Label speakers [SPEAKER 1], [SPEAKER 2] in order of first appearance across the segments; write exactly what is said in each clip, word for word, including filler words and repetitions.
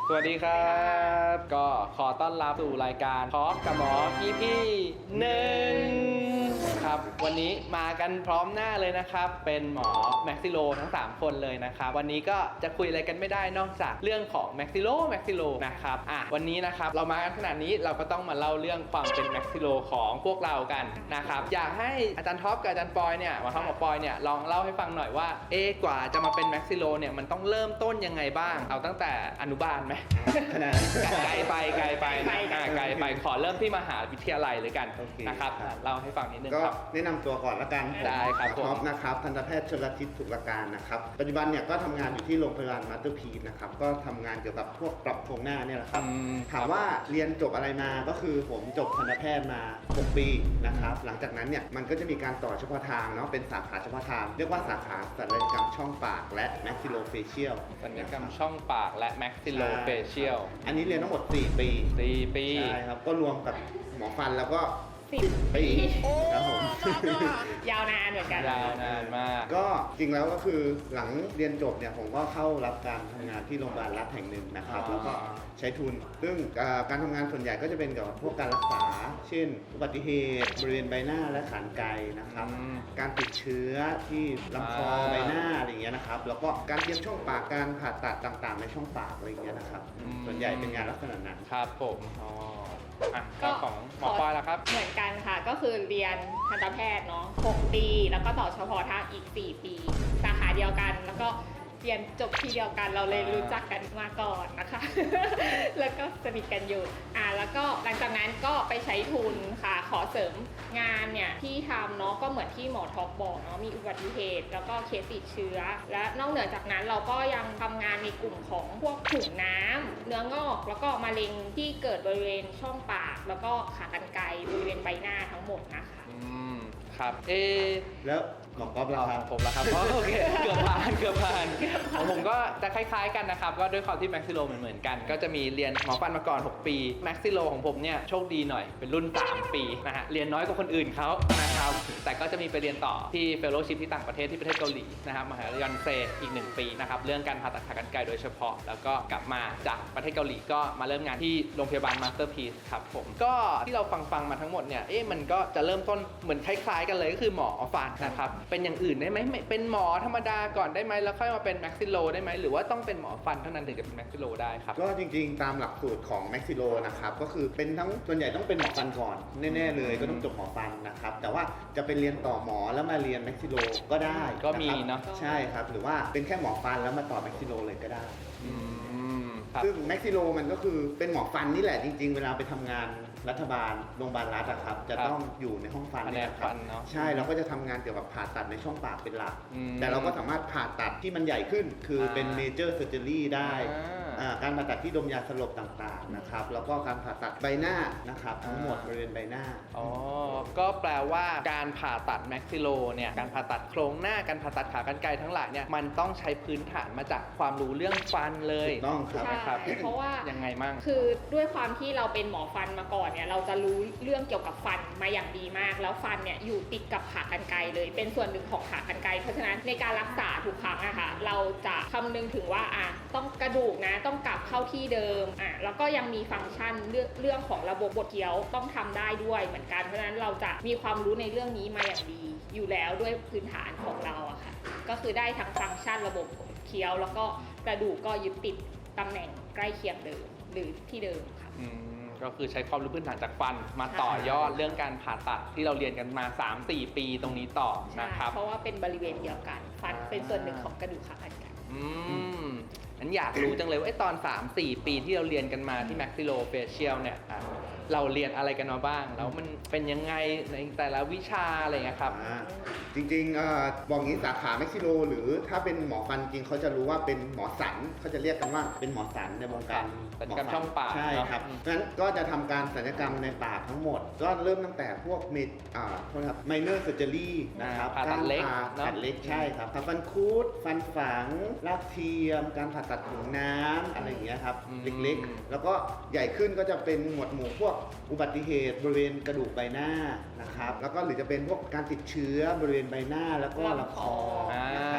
[SPEAKER 1] สวัสดีครับก็ขอต้อนรับสู่รายการทอล์กกับหมอ อี พี หนึ่งครับวันนี้มากันพร้อมหน้าเลยนะครับเป็นหมอแม็กซิโลทั้งสามคนเลยนะครับวันนี้ก็จะคุยอะไรกันไม่ได้นอกจากเรื่องของแม็กซิโลแม็กซิโลนะครับอ่ะวันนี้นะครับเรามากันขนาดนี้เราก็ต้องมาเล่าเรื่องความเป็นแม็กซิโลของพวกเรากันนะครับอยากให้อาจารย์ท็อปกับอาจารย์ปอยเนี่ยหมอท็อปกับปอยเนี่ยลองเล่าให้ฟังหน่อยว่าเอ๊ะกว่าจะมาเป็นแม็กซิโลเนี่ยมันต้องเริ่มต้นยังไงบ้างเอาตั้งแต่อนุบาลไหม
[SPEAKER 2] ขนาด
[SPEAKER 1] ไกลไปไกลไปนะไกลไปขอเริ่มที่มหาวิทยาลัยเลยกันนะครับเล่าให้ฟังนิดนึงครับ
[SPEAKER 2] ก็แนะนำตัวก่อนละกัน
[SPEAKER 1] ได้ครับ
[SPEAKER 2] ท็อปนะครับทันตแพทย์ชลทิศสุรการนะครับปัจจุบันเนี่ยก็ทำงานอยู่ที่โรงพยาบาลมาสเตอร์พีซนะครับก็ทำงานเกี่ยวกับพวกปรับโครงหน้าเนี่ยแหละครับถามว่าเรียนจบอะไรมาก็คือผมจบทันตแพทย์มาหกปีนะครับหลังจากนั้นเนี่ยมันก็จะมีการต่อเฉพาะทางเนาะเป็นสาขาเฉพาะทางเรียกว่าสาขาศัลยกรรมช่องปากและแม็กซิโลเฟเชียล
[SPEAKER 1] ศัลยกรรมช่องปากและแม็กซิโลเฟเชียล
[SPEAKER 2] อันนี้เรียนทั้งหมดสี่ปี
[SPEAKER 1] สี่ปี
[SPEAKER 2] ใช่ครับก็รวมกับหมอฟันแล้วก็
[SPEAKER 3] สิบ
[SPEAKER 2] ปีครับผม
[SPEAKER 3] ยาวนานเหมือนกัน
[SPEAKER 1] ยาวนานมาก
[SPEAKER 2] ก็จริงแล้วก็คือหลังเรียนจบเนี่ยผมก็เข้ารับการทำงานที่โรงพยาบาลรัฐแห่งหนึ่งนะครับแล้วก็ใช้ทุนซึ่งการทำงานส่วนใหญ่ก็จะเป็นเกี่ยวกับพวกการรักษาเช่นอุบัติเหตุบริเวณใบหน้าและขานไกนะครับการติดเชื้อที่ลำคอใบหน้าอะไรอย่างเงี้ยนะครับแล้วก็การเตรียมช่องปากการผ่าตัดต่างๆในช่องปากอะไรอย่างเงี้ยนะครับส่วนใหญ่เป็นงานลักษณะนั้น
[SPEAKER 1] ครับผมอ๋ออ่ะก็ของหมอปอยล่ะครับ
[SPEAKER 3] เหมือนกันค่ะก็คือเรียนทันตแพทย์เนาะหกปีแล้วก็ต่อเฉพาะทางอีกสี่ปีสาขาเดียวกันแล้วก็เรียนจบที่เดียวกันเราเลยรู้จักกันมาก่อนนะคะแล้วก็สนิทกันอยู่อ่าแล้วก็หลังจากนั้นก็ไปใช้ทุนค่ะขอเสริมงานเนี่ยที่ทำเนาะก็เหมือนที่หมอท็อปบอกเนาะมีอุบัติเหตุแล้วก็เคสติดเชื้อและนอกเหนือจากนั้นเราก็ยังทำงานในกลุ่มของพวกถุงน้ำเนื้องอกแล้วก็มะเร็งที่เกิดบริเวณช่องปากแล้วก็ขากรรไกรบริเวณใบหน้าทั้งหมดนะคะ
[SPEAKER 1] อืมครับเอ
[SPEAKER 2] แล้วหมอก๊อฟล่ะครับ
[SPEAKER 1] ผมละครับโอเคเกือบผ่านเกือบผ่านของผมก็จะคล้ายๆกันนะครับก็ด้วยความที่แม็กซิโลเหมือนๆกันก็จะมีเรียนหมอฟันมาก่อนหกปีแม็กซิโลของผมเนี่ยโชคดีหน่อยเป็นรุ่นสามปีนะฮะเรียนน้อยกว่าคนอื่นเขานะครับแต่ก็จะมีไปเรียนต่อที่เฟลโลชิพที่ต่างประเทศที่ประเทศเกาหลีนะครับมหาวิทยาลัยยอนเซอีกหนึ่งปีนะครับเรื่องการผ่าตัดขากรรไกรโดยเฉพาะแล้วก็กลับมาจากประเทศเกาหลีก็มาเริ่มงานที่โรงพยาบาลมาสเตอร์พีซครับผมก็ที่เราฟังฟังมาทั้งหมดเนี่ยเอ๊ะมันก็จะเริ่มต้นเหมือนคล้ายๆกันเลยก็คือหมอฟันนะครับเป็นอย่างอื่นได้ไหมเป็นหมอธรรมดาก่อนได้ไหมแล้วค่อยมาเป็นแม็กซิโลได้ไหมหรือว่าต้องเป็นหมอฟันเท่านั้นถึงจะเป็นแม็กซิโลได้ครับ
[SPEAKER 2] ก็จริงๆตามหลักสูตรของแม็กซิโลนะครับก็คือเป็นทั้งส่วนใหญ่ต้องเป็นหมอฟันก่อนแน่ๆเลยก็ต้องจบหมอฟันนะครับแต่ว่าจะเป็นเรียนต่อหมอแล้วมาเรียนแม็กซิโลก็ได้
[SPEAKER 1] ก็มีเนาะ
[SPEAKER 2] ใช่ครับหรือว่าเป็นแค่หมอฟันแล้วมาต่อแม็กซิโลเลยก็ได้ซึ่งแม็กซิโลมันก็คือเป็นหมอฟันนี่แหละจริงๆเวลาไปทำงานรัฐบาลโรงพยาบาลรัฐอะครับจะต้องอยู่ในห้องฟันนี่นะครับใช่เราก็จะทำงานเกี่ยวกับผ่าตัดในช่องปากเป็นหลักแต่เราก็สามารถผ่าตัดที่มันใหญ่ขึ้นคือเป็นเมเจอร์เซอร์เจอรี่ได้การผ่าตัดที่ดมยาสลบต่างๆนะครับแล้วก็การผ่าตัดใบหน้านะครับทั้งหมดบริเวณใบหน้า
[SPEAKER 1] อ๋อก็แปลว่าการผ่าตัดแม็กซิโลเนี่ยการผ่าตัดโครงหน้าการผ่าตัดขากรรไกรทั้งหลายเนี่ยมันต้องใช้พื้นฐานมาจากความรู้เรื่องฟันเลย
[SPEAKER 2] ถูกต้อง
[SPEAKER 3] ครับเพราะว่า
[SPEAKER 1] ยังไงมั่ง
[SPEAKER 3] คือด้วยความที่เราเป็นหมอฟันมาก่อนเนี่ยเราจะรู้เรื่องเกี่ยวกับฟันมาอย่างดีมากแล้วฟันเนี่ยอยู่ติดกับขากรรไกรเลยเป็นส่วนหนึ่งของขากรรไกรเพราะฉะนั้นในการรักษาทุกครั้งอะค่ะเราจะคำนึงถึงว่าอ่ะต้องกระดูกนะต้องกลับเข้าที่เดิมอ่ะแล้วก็ยังมีฟังก์ชันเรื่องเรื่องของระบบบดเคี้ยวต้องทำได้ด้วยเหมือนกันเพราะฉะนั้นเราจะมีความรู้ในเรื่องนี้มาอย่างดีอยู่แล้วด้วยพื้นฐานของเราอะค่ะก็คือได้ทั้งฟังก์ชันระบบเคี้ยวแล้วก็กระดูกก็ยึดติดตำแหน่งใกล้เคียงเดิมหรือที่เดิมค่ะ
[SPEAKER 1] ก็คือใช้ความรู้พื้นฐานจากฟันมาต่อยอดเรื่องการผ่าตัดที่เราเรียนกันมา สามสี่ ปีตรงนี้ต่อนะครับ
[SPEAKER 3] เพราะว่าเป็นบริเวณเดียวกันฟันเป็นส่วนหนึ่งของกระดูกขากรรไกร
[SPEAKER 1] อืมงั้นอยากรู้จังเลยว่าตอน สามสี่ ปีที่เราเรียนกันมาที่แม็กซิโลเฟเชียลเนี่ยเราเรียนอะไรกันมาบ้างแล้วมันเป็นยังไงในแต่ละวิชาอะไรเงี้ยครับ
[SPEAKER 2] จริงๆบอกงี้สาขาแม็กซิโลหรือถ้าเป็นหมอฟันจริงเขาจะรู้ว่าเป็นหมอสันเขาจะเรียกกันว่าเป็นหมอสันในวงการ
[SPEAKER 1] ศัลยกรรมช่องปาก
[SPEAKER 2] ใช่ครับงั้นก็จะทำการศัลยกรรมในปากทั้งหมดก็เริ่มตั้งแต่พวกเมดอ่าโทษครับไมเนอร์เซอร์เจอรี่นะครับ
[SPEAKER 1] การผ่าตัดเล็ก
[SPEAKER 2] ตัดเล็กใช่ครับผ่าฟันคุดฟันฝังรากเทียมการผ่าตัดถุงน้ำอะไรอย่างเงี้ยครับเล็กๆแล้วก็ใหญ่ขึ้นก็จะเป็นหมวดหมู่พวกอุบัติเหตุบริเวณกระดูกใบหน้านะครับแล้วก็หรือจะเป็นพวกการติดเชื้อบริเวณใบหน้าแล้วก็ลำคอนะครับ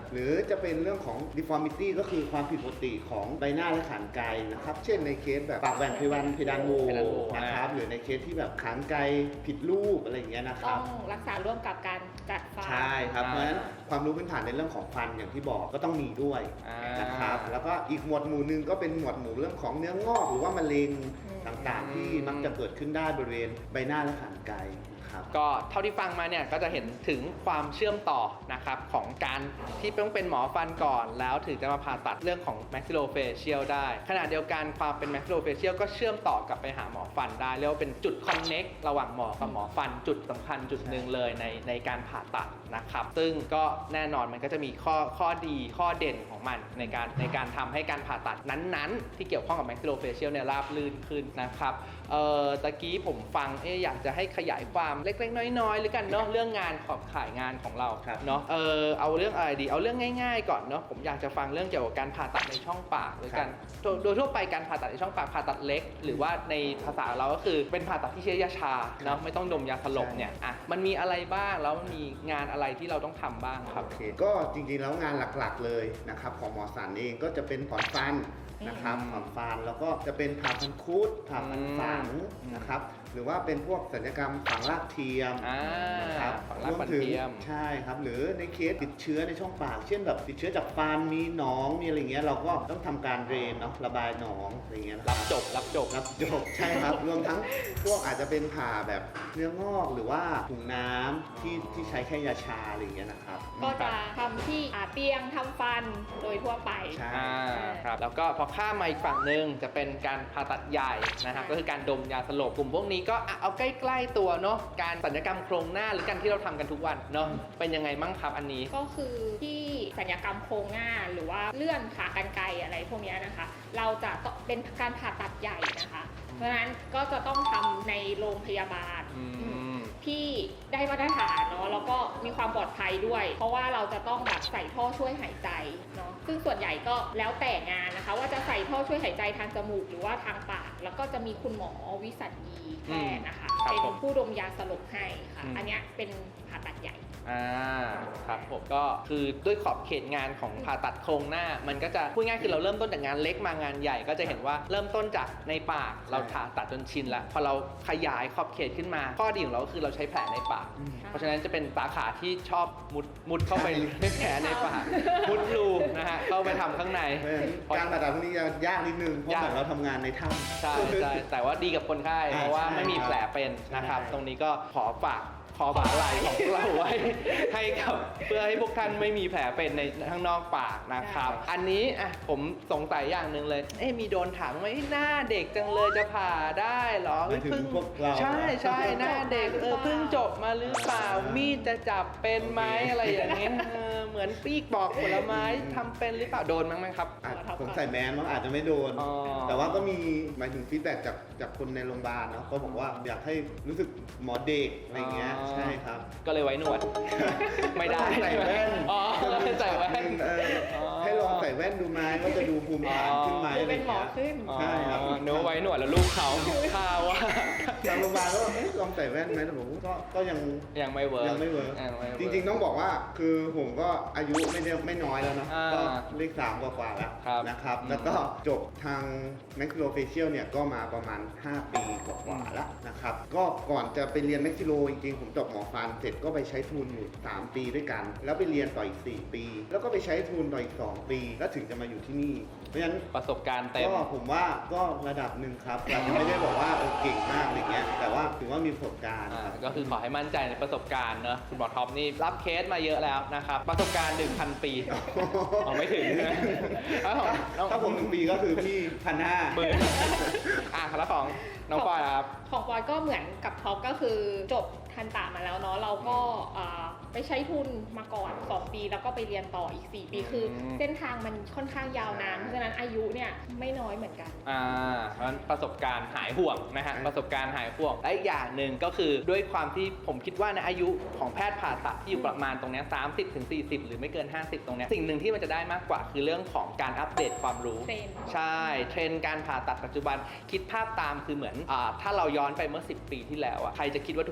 [SPEAKER 2] หรือจะเป็นเรื่องของ deformity ก็คือความผิดปกติของใบหน้าและขานไกนะครับเช่นในเคสแบบปากแหว่งเพดานเพดานโหว
[SPEAKER 1] เพดานโหว
[SPEAKER 2] นะครับหรือในเคสที่แบบขานไกผิดรูปอะไรอย่างเงี้ยนะค
[SPEAKER 3] ต้
[SPEAKER 2] รั
[SPEAKER 3] อบ งรักษาร่วมกับการจัดฟัน
[SPEAKER 2] ใช่ครับ
[SPEAKER 1] อ่า
[SPEAKER 2] เพราะฉะนั้นความรู้พื้นฐานในเรื่องของฟันอย่างที่บอกก็ต้องมีด้วย
[SPEAKER 1] อ่าน
[SPEAKER 2] นะครับแล้วก็อีกหมวดหมู่หนึ่งก็เป็นหมวดหมู่เรื่องของเนื้องอกหรือว่ามะเร็ง
[SPEAKER 3] อืม
[SPEAKER 2] ต่างๆ ที่มักจะเกิดขึ้นได้บริเวณใบหน้าและขานไกนะครับ
[SPEAKER 1] ก็เท่าที่ฟังมาเนี่ยก็จะเห็นถึงความเชื่อมต่อนะครับของการที่ต้องเป็นหมอฟันก่อนแล้วถึงจะมาผ่าตัดเรื่องของ maxillofacial ได้ขณะเดียวกันความเป็น maxillofacial ก็เชื่อมต่อกลับไปหาหมอฟันได้เรียกว่าเป็นจุด connect ระหว่างหมอกับหมอฟันจุดสำคัญจุดหนึ่งเลยในในการผ่าตัดนะครับซึ่งก็แน่นอนมันก็จะมีข้อข้อดีข้อเด่นของมันในการในการทำให้การผ่าตัดนั้นๆ ที่เกี่ยวข้องกับ maxillofacial เนี่ยราบรื่นขึ้นนะครับเอ่อตะกี้ผมฟังเอ๊ะอยากจะให้ขยายความเล็กๆน้อยๆหรือกันเนาะเรื่องงานขอบขายงานของเรา
[SPEAKER 2] ครับ
[SPEAKER 1] เนาะเออเอาเรื่องอะไรดีเอาเรื่องง่ายๆก่อนเนาะผมอยากจะฟังเรื่องเกี่ยวกับการผ่าตัดในช่องปากหรือกันโดยโดยทั่วไปการผ่าตัดในช่องปากผ่าตัดเล็ก หรือว่าในภาษาเราก็คือเป็นผ่าตัดที่ใช้ยาชาเนาะไม่ต้องดมยาสลบเนี่ยอ่ะมันมีอะไรบ้างแล้วมันมีงานอะไรที่เราต้องทำบ้างครับ
[SPEAKER 2] โอเคก็จริงๆแล้วงานหลักๆเลยนะครับของหมอสันเองก็จะเป็นถอนฟันนะครับ
[SPEAKER 1] อืม
[SPEAKER 2] ถอนฟันแล้วก็จะเป็นผ่าฟันคุดผ่าฟันฝัง
[SPEAKER 1] อืม
[SPEAKER 2] นะครับหรือว่าเป็นพวกศัลยกรรมฝังรากเทียม
[SPEAKER 1] อ่า
[SPEAKER 2] นะครับ
[SPEAKER 1] ฝังรากฟัน
[SPEAKER 2] ถึง
[SPEAKER 1] เทียม
[SPEAKER 2] ใช่ครับหรือในเคสติดเชื้อในช่องปาก เช่นแบบติดเชื้อจากฟันมีหนองมีอะไรเงี้ยเราก็ต้องทำการเดรนเนาะระบายหนองอะไรเงี้ยนะค
[SPEAKER 1] รั
[SPEAKER 2] รั
[SPEAKER 1] บบ จบรับจบ
[SPEAKER 2] รับจบใช่ครับ รวมทั้งพวกอาจจะเป็นผ่าแบบเนื้องอกหรือว่าถุงน้ำที่ที่ใช้แค่ยาชาอะไรอย่างเงี้ยนะครับ
[SPEAKER 3] ก็จะทำที่อ่าเตียงทำฟันโดยทั่วไป
[SPEAKER 2] ใช่
[SPEAKER 1] อ่าครับแล้วก็พอข้ามมาอีกฝั่งหนึ่งจะเป็นการผ่าตัดใหญ่นะครับ
[SPEAKER 3] ใช่
[SPEAKER 1] ก็คือการดมยาสลบกลุ่มพวกนี้ก็อ่ะเอาใกล้ๆตัวเนาะการศัลยกรรมโครงหน้าหรือการที่เราทำกันทุกวันเนาะเป็นยังไงบ้างครับอันนี้
[SPEAKER 3] ก็คือที่ศัลยกรรมโครงหน้าหรือว่าเลื่อนขากรรไกรอะไรพวกเนี้ยนะคะ เราจะต้องเป็นการผ่าตัดใหญ่นะคะ เพราะฉะนั้นก็จะต้องทำในโรงพยาบาล
[SPEAKER 1] อืม
[SPEAKER 3] ที่ได้มาตรฐานเนาะแล้วก็มีความปลอดภัยด้วย เพราะว่าเราจะต้องแบบใส่ท่อช่วยหายใจเนาะซึ่งส่วนใหญ่ก็แล้วแต่งานนะคะ ว่าจะใส่ท่อช่วยหายใจทางจมูกหรือว่าทางปาก แล้วก็จะมีคุณหมอวิสัญญีแพทย์นะคะ
[SPEAKER 1] ครับ
[SPEAKER 3] เป็น
[SPEAKER 1] ผม
[SPEAKER 3] ผู้ดมยาสลบให้ค่ะ
[SPEAKER 1] อืม
[SPEAKER 3] อันเนี้ยเป็นผ่าตัดใหญ่
[SPEAKER 1] อ่าครับผมก็คือด้วยขอบเขตงานของผ่าตัดโครงหน้า มันก็จะพูดง่ายคือเราเริ่มต้นจากงานเล็กมางานใหญ่ก็จะเห็นว่าเริ่มต้นจากในปากเราผ่าตัดจนชินแล้วพอเราขยายขอบเขตขึ้นมาข้อดีของเราก็คือเราใช้แผลในปาก
[SPEAKER 2] อืม
[SPEAKER 1] เพราะฉะนั้นจะเป็นสาขาที่ชอบมุดมุดเข้าไป
[SPEAKER 2] ใช่
[SPEAKER 1] ในแผลในปากมุดรูนะฮะเข้าไปทำข้างใน
[SPEAKER 2] เพราะฉะนั้นการผ่าตัดพวกนี้จะยากนิดนึงเพราะ
[SPEAKER 1] ยาก
[SPEAKER 2] เหมือนเราทำงานในถ้ำ
[SPEAKER 1] ใช่ใช่แต่ว่าดีกับคนไข้
[SPEAKER 2] อ่า
[SPEAKER 1] เพราะว่า
[SPEAKER 2] ใช่
[SPEAKER 1] ไม่มีแผลเป็นนะครับ
[SPEAKER 2] ใช่
[SPEAKER 1] ตรงนี้ก็ขอฝากคอบาไหลของพวกเราไว้ ให้กับเพื่อให้พวกท่านไม่มีแผลเป็นในข้างนอกปากนะครับ
[SPEAKER 3] ใช่
[SPEAKER 1] อันนี้อ่ะผมสงสัยอย่างหนึ่งเลย เอ๊ะมีโดนถามไหมหน้าเด็กจังเลยจะผ่าได้เหรอ
[SPEAKER 2] หมายถึงพวกเรา
[SPEAKER 1] ใช่ใช่หน้าเด็กเออเพิ่งจบมาหรือเปล่ามีดจะจับเป็นไหมอะไรอย่างเงี้ยเออเหมือนปีกบอกผลไม้ทำเป็นหรือเปล่าโดนมั้งไหมครับ
[SPEAKER 2] อาจผมใส่แมสมันอาจจะไม่โดน
[SPEAKER 1] อ๋อ
[SPEAKER 2] แต่ว่าก็มีหมายถึงฟีดแบ็กจากจากคนในโรงพยาบาลเนาะก็บอกว่าอยากให้รู้สึกหมอเด็กอะไรเงี้ย
[SPEAKER 1] อ๋อ
[SPEAKER 2] ใช่ครับ
[SPEAKER 1] ก็เลยไว้หนวด ไม่ได้
[SPEAKER 2] ใส่แว่น
[SPEAKER 1] อ๋อใส่แว่น
[SPEAKER 2] เออ
[SPEAKER 1] อ๋อ
[SPEAKER 2] ให้ลองใส่แว่นดูไหมว่าจะดูภูมิฐานขึ้นไหม
[SPEAKER 3] ดู
[SPEAKER 2] อะไร
[SPEAKER 3] เป็นหมอ
[SPEAKER 2] เงี้ย
[SPEAKER 3] ขึ้น
[SPEAKER 2] ใช่ครับ
[SPEAKER 1] อ๋อนึกว่าไว้หนวดแล้วลูกเขาข่าวว่า
[SPEAKER 2] ทางโรงพยาบาลก็เอ๊ะลองใส่แว่นไหมแต่ผมก็ก็ยัง
[SPEAKER 1] ยังไม่เวิร์ก
[SPEAKER 2] ยังไม่เวิร์ก
[SPEAKER 1] ยังไม่เวิ
[SPEAKER 2] จริงๆต้องบอกว่าคือผมก็อายุไม่ได้ไม่น้อยแล้วเนาะ
[SPEAKER 1] อ่า
[SPEAKER 2] ก็เลขสามกว่าๆแล้ว
[SPEAKER 1] ครับ
[SPEAKER 2] นะครับ
[SPEAKER 1] อืม
[SPEAKER 2] แล้วก็จบทาง maxillofacial เนี่ยก็มาประมาณ ห้า ปีกว่าๆแล้วนะครับก็ก่อนจะไปเรียน maxillo จริงๆผมจบหมอฟันเสร็จก็ไปใช้ทุนอยู่สามปีด้วยกัน แล้วไปเรียนต่ออีกสี่ปี แล้วก็ไปใช้ทุนต่ออีกสองปี แล้วถึงจะมาอยู่ที่นี่ เพราะฉะนั้น
[SPEAKER 1] ประสบการณ์เต็ม
[SPEAKER 2] ก็ผมว่าก็ระดับหนึ่งครับอาจจะไม่ได้บอกว่าเออเก่งมากอะไรเงี้ยแต่ว่าถือว่ามีประสบการณ์
[SPEAKER 1] อ่า
[SPEAKER 2] ครับ
[SPEAKER 1] ก็คือขอให้มั่นใจในประสบการณ์เนอะคุณหมอท็อปนี่รับเคสมาเยอะแล้วนะครับ ประสบการณ์ หนึ่งพัน ปีเอาไม่ถึงนะแล้วของน้อง
[SPEAKER 2] ถ้าผมหนึ่งปีก็คือพี่พันห้า
[SPEAKER 1] หมื่นอ่ะแล้วของน้องปอยครับ
[SPEAKER 3] ของปอยก็เหมือนกับท็อปก็คือจบทันตามาแล้วเนาะเราก็เอ่อไปใช้ทุนมาก่อนสองปีแล้วก็ไปเรียนต่ออีกสี่ปีคือ
[SPEAKER 1] ม
[SPEAKER 3] เส้นทางมันค่อนข้างยาวนานเพราะฉะนั้นอายุเนี่ยไม่น้อยเหมือนกัน
[SPEAKER 1] อ่าเพราะฉะนั้นประสบการณ์หายห่วงนะฮะ
[SPEAKER 2] อืม
[SPEAKER 1] ประสบการณ์หายห่วงและอีกอย่างหนึ่งก็คือด้วยความที่ผมคิดว่าในอายุของแพทย์ผ่าตัดที่อยู่ประมาณตรงเนี้ยสามสิบถึงสี่สิบหรือไม่เกินห้าสิบตรงเนี้ยสิ่งหนึ่งที่มันจะได้มากกว่าคือเรื่องของการอัปเดตความรู้
[SPEAKER 3] เทรนด์
[SPEAKER 1] ใช่เทรนด์การผ่าตัดปัจจุบันคิดภาพตามคือเหมือนอาถ้าเราย้อนไปเมื่อสิบปีที่แล้วอะใครจะคิดว่าทุกคนจะถือ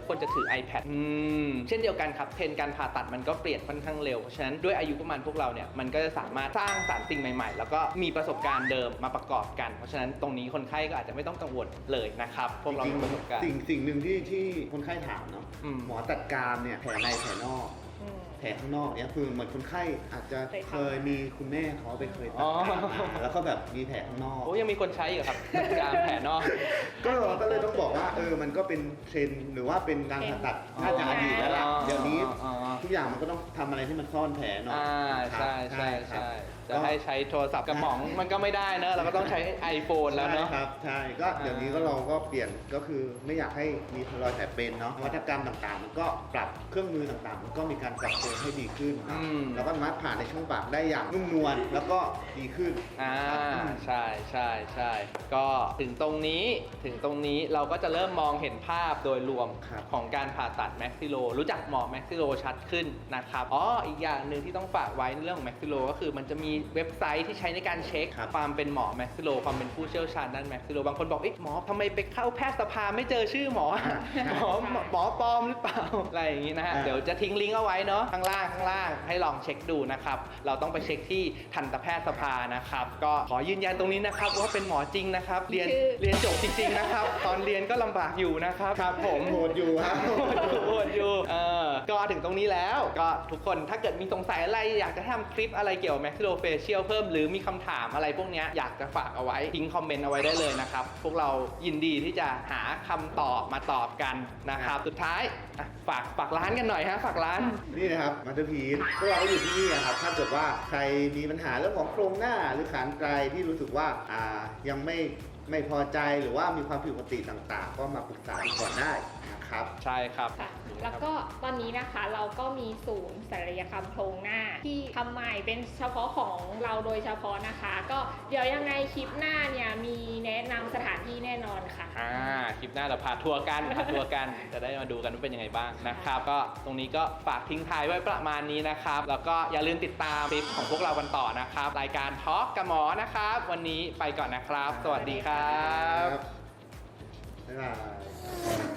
[SPEAKER 1] iPad อืมเช่นเดียวกันครับเทรนด์การผ่าตัดมันก็เปลี่ยนค่อนข้างเร็วเพราะฉะนั้นด้วยอายุประมาณพวกเราเนี่ยมันก็จะสามารถสร้างสรรค์สิ่งใหม่ๆ แล้วก็มีประสบการณ์เดิมมาประกอบกันเพราะฉะนั้นตรงนี้คนไข้ก็อาจจะไม่ต้องกังวลเลยนะครับพวกเรา
[SPEAKER 2] จริง
[SPEAKER 1] มีประสบการณ์
[SPEAKER 2] สิ่งสิ่งหนึ่งที่ที่คนไข้ถามเนาะ
[SPEAKER 1] อืม
[SPEAKER 2] หมอจัดการเนี่ยแผลในแผลนอก
[SPEAKER 3] อืม
[SPEAKER 2] แผลข้างนอกเนี่ยคือเหมือนคนไข้อาจจะ
[SPEAKER 3] เคยทำ
[SPEAKER 2] เคยมีคุณแม่เขาไปเคยตั
[SPEAKER 1] อ๋
[SPEAKER 2] ด
[SPEAKER 1] อ
[SPEAKER 2] มาแล้วก็แบบมีแผลข้างนอก
[SPEAKER 1] โอ้ยังมีคนใช้อยู่ครับจัดการแผลนอก
[SPEAKER 2] ก็ก็เลยต้องบอกว่าเออมันก็เป็นเทรนด์หรือว่าเป็นการผ่าตัดน่าจะอดีตแล้วล่ะ
[SPEAKER 1] อ๋อ
[SPEAKER 2] เดี๋ยวนี้
[SPEAKER 1] อ๋อ
[SPEAKER 2] ทุกอย่างมันก็ต้องทำอะไรที่มันซ่อนแผลหน่อย
[SPEAKER 1] อ่า
[SPEAKER 2] ครับ
[SPEAKER 1] ใช่ใช่
[SPEAKER 2] ครับ
[SPEAKER 1] ใช่
[SPEAKER 2] ก็
[SPEAKER 1] จะให้ใช้โทรศัพท์กระหม่องมันก็ไม่ได้เนอะเราก็ต้องใช้ iPhone แล้วเนอะ
[SPEAKER 2] ใช่ครับใช่ก็เดี๋ยวนี้ก็เราก็เปลี่ยนก็คือไม่อยากให้มีรอยแผลเป็นเนาะนวัตกรรมต่างๆ มันก็ปรับเครื่องมือต่างๆ มันก็มีการปรับปรุงให้ดีขึ้นเนอะ
[SPEAKER 1] อืม
[SPEAKER 2] แล้วก็สามารถผ่านในช่องปากได้อย่างนุ่มนวลแล้วก็ดีขึ้น
[SPEAKER 1] อ่า
[SPEAKER 2] ครับ
[SPEAKER 1] ใช่ใช่ใช่ก็ถึงตรงนี้ถึงตรงนี้เราก็จะเริ่มมองเห็นภาพโดยรวม
[SPEAKER 2] ครับ
[SPEAKER 1] ของการผ่าตัดแม็กซิโลรู้จักหมอแม็กซิโลชัดขึ้นนะครับอ๋ออีกอย่างหนึ่งที่ต้องฝากไว้ในเรื่องของแม็กซิโลก็คือมันจะมีเว็บไซต์ที่ใช้ในการเช็ค
[SPEAKER 2] ครับ
[SPEAKER 1] ความเป็นหมอแม็กซิโลความเป็นผู้เชี่ยวชาญด้านแม็กซิโลบางคนบอกเอ๊ะหมอทำไมไปเข้าแพทยสภาไม่เจอชื่อหมอ หมอหมอปลอมหรือเปล่าอะไรอย่างนี้นะฮะ
[SPEAKER 2] อ่า
[SPEAKER 1] เดี๋ยวจะทิ้งลิงก์เอาไว้เนาะข้างล่างข้างล่างให้ลองเช็คดูนะครับเราต้องไปเช็คที่ทันตแพทยสภานะครับก็ขอยืนยันตรงนี้นะครับว่าเป็นหมอจริงนะครับเรียน
[SPEAKER 3] ชื่อ
[SPEAKER 1] เรียนจบจริงๆนะครับ ตอนเรียนก็ลำบากอยู่นะครับครับผม
[SPEAKER 2] โหดอยู่ครับ
[SPEAKER 1] โหดอยู่โหดอยู่เออก็ถึงตรงนี้แล้วก็ทุกคนถ้าเกิดมีสงสัยอะไรอยากจะทำคลิปอะไรเกี่ยวกับ maxillofacial เพิ่มหรือมีคำถามอะไรพวกเนี้ยอยากจะฝากเอาไว้ทิ้งคอมเมนต์เอาไว้ได้เลยนะครับพวกเรายินดีที่จะหาคำตอบมาตอบกันนะครับสุดท้ายอ่ะฝากฝากร้านกันหน่อยฮะฝากร้าน
[SPEAKER 2] นี่นะครับมาสเตอร์พีซพวกเราก็อยู่ที่นี่นะครับถ้าเกิดว่าใครมีปัญหาเรื่องของโครงหน้าหรือขานไกลที่รู้สึกว่าอ่ายังไม่ไม่พอใจหรือว่ามีความผิดปกติต่างๆ ก็มาปรึกษากันก่อนได้นะครับ
[SPEAKER 1] ใช่ครับ
[SPEAKER 3] ค่ะแล้วก็ตอนนี้นะคะเราก็มีศูนย์ศัลยกรรมโครงหน้าที่ทำใหม่เป็นเฉพาะของเราโดยเฉพาะนะคะ ก็เดี๋ยวยังไงคลิปหน้าเนี่ยมีแนะนำสถานที่แน่นอนค่ะ
[SPEAKER 1] อ่าคลิปหน้าเราพาทัวร์กันพาทัวร์กันจะได้มาดูกันว่าเป็นยังไงบ้างนะครับก็ตรงนี้ก็ฝากทิ้งท้ายไว้ประมาณนี้นะครับแล้วก็อย่าลืมติดตามคลิปของพวกเรากันต่อนะครับรายการทอล์กกับหมอนะครับ วันนี้ไปก่อนนะครับ สวัสดีครับ
[SPEAKER 2] บ๊ายบาย